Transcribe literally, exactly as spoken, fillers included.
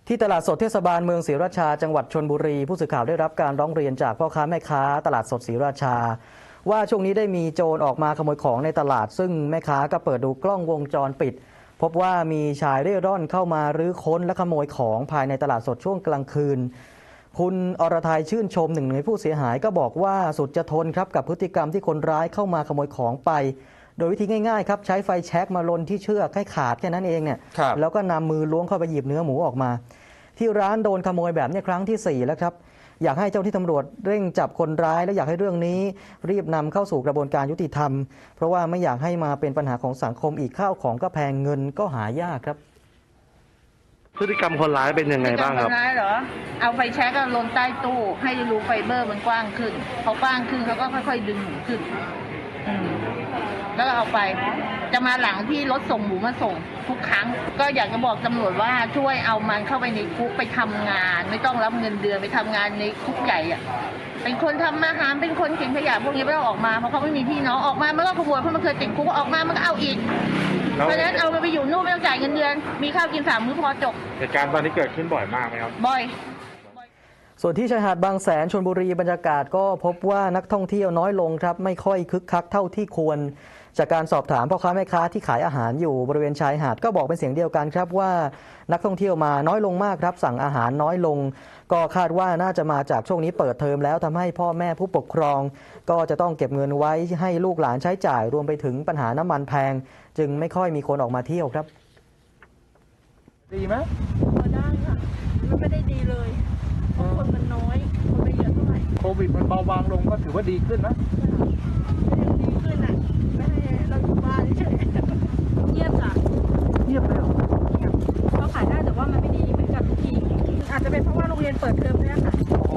ที่ตลาดสดเทศบาลเมืองศรีราชาจังหวัดชลบุรีผู้สื่อข่าวได้รับการร้องเรียนจากพ่อค้าแม่ค้าตลาดสดศรีราชาว่าช่วงนี้ได้มีโจรออกมาขโมยของในตลาดซึ่งแม่ค้าก็เปิดดูกล้องวงจรปิดพบว่ามีชายเร่ร่อนเข้ามารื้อค้นและขโมยของภายในตลาดสดช่วงกลางคืนคุณอรทัยชื่นชมหนึ่งในผู้เสียหายก็บอกว่าสุดจะทนครับกับพฤติกรรมที่คนร้ายเข้ามาขโมยของไปโดยวิธีง่ายๆครับใช้ไฟแช็กมาลนที่เชือกให้ขาดแค่นั้นเองเนี่ยแล้วก็นำมือล้วงเข้าไปหยิบเนื้อหมูออกมาที่ร้านโดนขโมยแบบนี้ครั้งที่สี่แล้วครับอยากให้เจ้าที่ตำรวจเร่งจับคนร้ายและอยากให้เรื่องนี้รีบนำเข้าสู่กระบวนการยุติธรรมเพราะว่าไม่อยากให้มาเป็นปัญหาของสังคมอีกข้าวของก็แพงเงินก็หายากครับพฤติกรรมคนร้ายเป็นยังไงบ้างครับคนร้ายเหรอเอาไฟแช็กลนใต้ตู้ให้รูไฟเบอร์มันกว้างขึ้นพอกว้างขึ้นเขาก็ค่อยๆดึงหมูขึ้นแล้วก็เอาไปจะมาหลังที่รถส่งหมูมาส่งทุกครั้งก็อยากจะบอกตำรวจว่าช่วยเอามันเข้าไปในคุกไปทำงานไม่ต้องรับเงินเดือนไปทำงานในคุกใหญ่อะเป็นคนทำอาหารเป็นคนเก็บขยะพวกนี้ไม่ต้องออกมาเพราะเขาไม่มีพี่น้องออกมามันก็ขโมยเพราะมันเคยติดคุกออกมามันก็เอาอีกเพราะฉะนั้นเอามันไปอยู่นู่นไม่ต้องจ่ายเงินเดือนมีข้าวกินสามมื้อพอจบเหตุการณ์ตอนนี้เกิดขึ้นบ่อยมากไหมครับบ่อยส่วนที่ชายหาดบางแสนชลบุรีบรรยากาศก็พบว่านักท่องเที่ยวน้อยลงครับไม่ค่อยคึกคักเท่าที่ควรจากการสอบถามพ่อค้าแม่ค้าที่ขายอาหารอยู่บริเวณชายหาดก็บอกเป็นเสียงเดียวกันครับว่านักท่องเที่ยวมาน้อยลงมากครับสั่งอาหารน้อยลงก็คาดว่าน่าจะมาจากช่วงนี้เปิดเทอมแล้วทำให้พ่อแม่ผู้ปกครองก็จะต้องเก็บเงินไว้ให้ลูกหลานใช้จ่ายรวมไปถึงปัญหาน้ำมันแพงจึงไม่ค่อยมีคนออกมาเที่ยวครับดีไหมพอได้ค่ะมันไม่ได้ดีเลยเพราะคนมันน้อยคนไม่เยอะเท่าไหร่โควิดมันเบาบางลงก็ถือว่าดีขึ้นนะยังดีขึ้นอ่ะไม่ให้เราอยู่บ้านเฉยเงียบจ้ะเงียบเลยเหรอเงียบเขาขายได้แต่ว่ามันไม่ดีเหมือนกับทุกทีอาจจะเป็นเพราะว่าโรงเรียนเปิดเทอมด้วยค่ะ